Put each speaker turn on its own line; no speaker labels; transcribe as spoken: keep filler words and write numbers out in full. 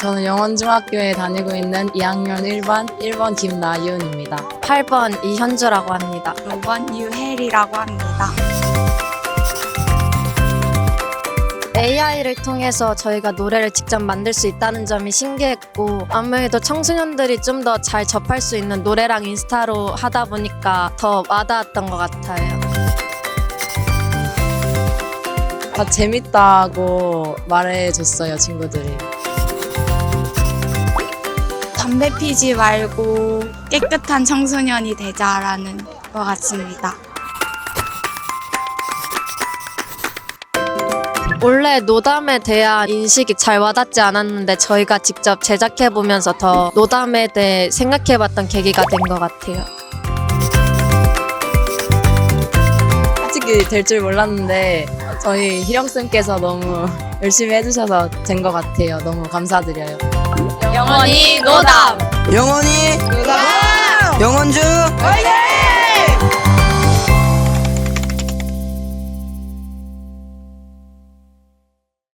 저는 영원중학교에 다니고 있는 이 학년 일 반 일 번 김나이은입니다.
팔 번 이현주라고 합니다.
오 번 유혜리라고 합니다.
에이아이를 통해서 저희가 노래를 직접 만들 수 있다는 점이 신기했고, 아무래도 청소년들이 좀 더 잘 접할 수 있는 노래랑 인스타로 하다 보니까 더 와닿았던 것 같아요.
다 재밌다고 말해줬어요, 친구들이.
담배 피지 말고 깨끗한 청소년이 되자라는 것 같습니다.
원래 노담에 대한 인식이 잘 와닿지 않았는데 저희가 직접 제작해보면서 더 노담에 대해 생각해봤던 계기가 된 것 같아요.
솔직히 될 줄 몰랐는데 저희 희령쌤께서 너무 열심히 해주셔서 된 것 같아요. 너무 감사드려요.
영원히 노담!
영원히